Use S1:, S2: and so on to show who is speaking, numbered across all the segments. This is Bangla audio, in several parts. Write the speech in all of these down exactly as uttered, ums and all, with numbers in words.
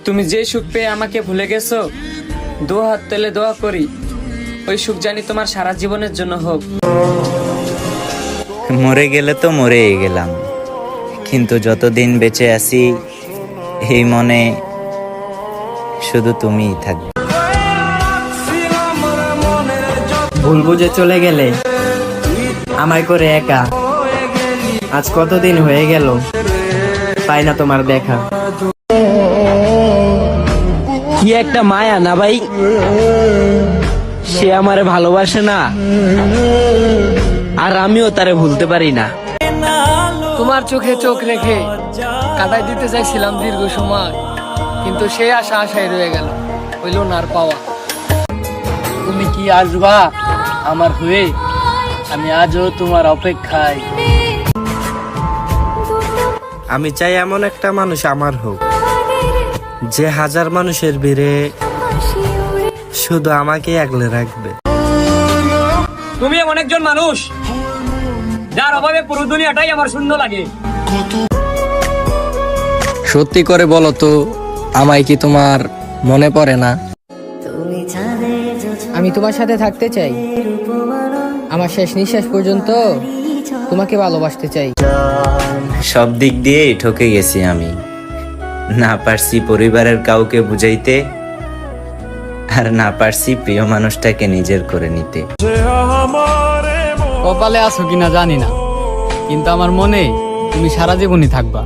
S1: তুমি যে সুখ পেয়ে আমাকে ভুলে গেছো, দু হাত তেলে দোয়া করি ওই সুখ জানি তোমার সারা জীবনের জন্য হোক।
S2: মরে গেলে তো মরেই গেলাম, কিন্তু যতদিন বেঁচে আছি এই মনে শুধু তুমিই থাকবে।
S3: ভুল বুঝে চলে গেলে আমায় করে একা, আজ কতদিন হয়ে গেল পাই না তোমার দেখা।
S4: কি একটা মায়া না ভাই, সে আমারে ভালোবাসে না আর আমিও তারে ভুলতে পারি না।
S5: তোমার চোখে চোখ রেখে কাটাই দিতে চাইছিলাম দীর্ঘ সময়, কিন্তু সে আশা আশায় রয়ে গেল, হইল না আর পাওয়া। তুমি কি আসবা আমার হয়ে, আমি আজও তোমার অপেক্ষায়।
S3: আমি চাই এমন একটা মানুষ আমার হোক, যে হাজার মানুষের ভিড়ে শুধু আমাকে আগলে রাখবে।
S6: তুমি এমন একজন মানুষ যার অভাবে পুরো দুনিয়াটাই আমার শূন্য লাগে।
S5: সত্যি করে বলো তো, আমায় কি তোমার মনে পড়ে না? আমি তোমার সাথে থাকতে চাই, আমার শেষ নিঃশ্বাস পর্যন্ত তোমাকে ভালোবাসতে চাই।
S2: সব দিক দিয়েই ঠকে গেছি আমি, না পারছি পরিবারের কাউকে বুঝাইতে, আর না পারছি প্রিয় মানুষটাকে নিজের করে নিতে।
S5: কপালে আছো কিনা জানি না, কিন্তু আমার মনে তুমি সারা জীবনই থাকবা।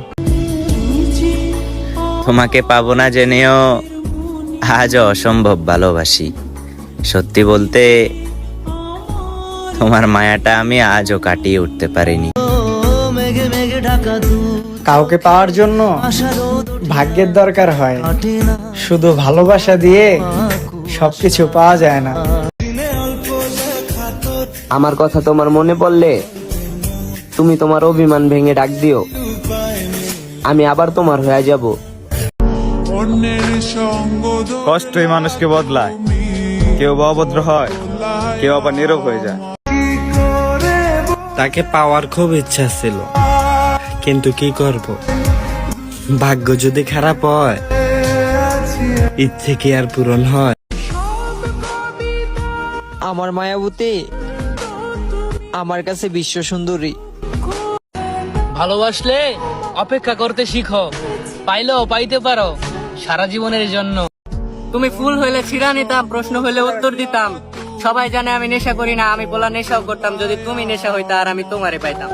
S2: তোমাকে পাবো না জেনেও আজও অসম্ভব ভালোবাসি। সত্যি বলতে তোমার মায়াটা আমি আজও কাটিয়ে উঠতে পারিনি।
S3: কাউকে পাওয়ার জন্য ভাগ্যের দরকার হয়, শুধু ভালোবাসা দিয়ে সবকিছু পাওয়া যায় না।
S4: আমার কথা তোমার মনে পড়লে তুমি তোমার অভিমান ভেঙে ডাক দিও, আমি আবার তোমার হয়ে যাব।
S7: কষ্টই মানুষকে বদলায়, কেউ বা অভদ্র হয়, কেউ আবার নীরব হয়ে যায়।
S3: তাকে পাওয়ার খুব ইচ্ছা ছিল, কিন্তু কি করব, ভাগ্য যদি খারাপ হয় ইচ্ছে কি আর পূরণ হয়?
S4: আমার মায়াবতী আমার কাছে বিশ্ব সুন্দরী।
S5: ভালোবাসলে অপেক্ষা করতে শিখো, পাইলেও পাইতে পারো সারা জীবনের জন্য। তুমি ফুল হইলে ছিড়া নিতাম, প্রশ্ন হইলে উত্তর দিতাম। সবাই জানে আমি নেশা করি না, আমি বলা নেশাও করতাম। যদি তুমি নেশা হইতা আর আমি তোমারে পাইতাম।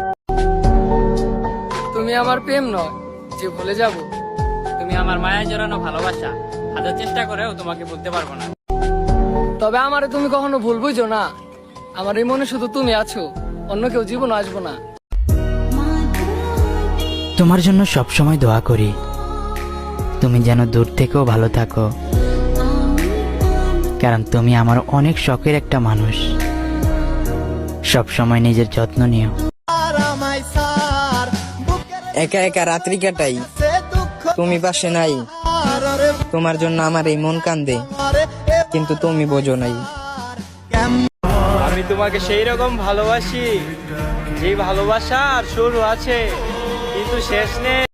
S5: তুমি আমার প্রেম নয় যে ভুলে যাব, তুমি আমার মায়া জড়ানো ভালোবাসা, হাজার চেষ্টা করেও তোমাকে বলতে পারবো না। তবে আমারে তুমি কখনো ভুল বুঝো না, আমার এই মনে শুধু তুমি আছো, অন্য কেউ জীবন আসবো না।
S8: তোমার জন্য সব সময় দোয়া করি, তুমি যেন দূর থেকেও ভালো থাকো, কারণ তুমি আমার অনেক শখের একটা মানুষ। সব সময় নিজের যত্ন নিও।
S3: একা একা রাত্রি কাটাই, তুমি পাশে নাই, তোমার জন্য আমার এই মন কান্দে, কিন্তু তুমি বোঝো নাই।
S6: আমি তোমাকে সেই রকম ভালোবাসি যে ভালোবাসার শুরু আছে কিন্তু শেষ নেই।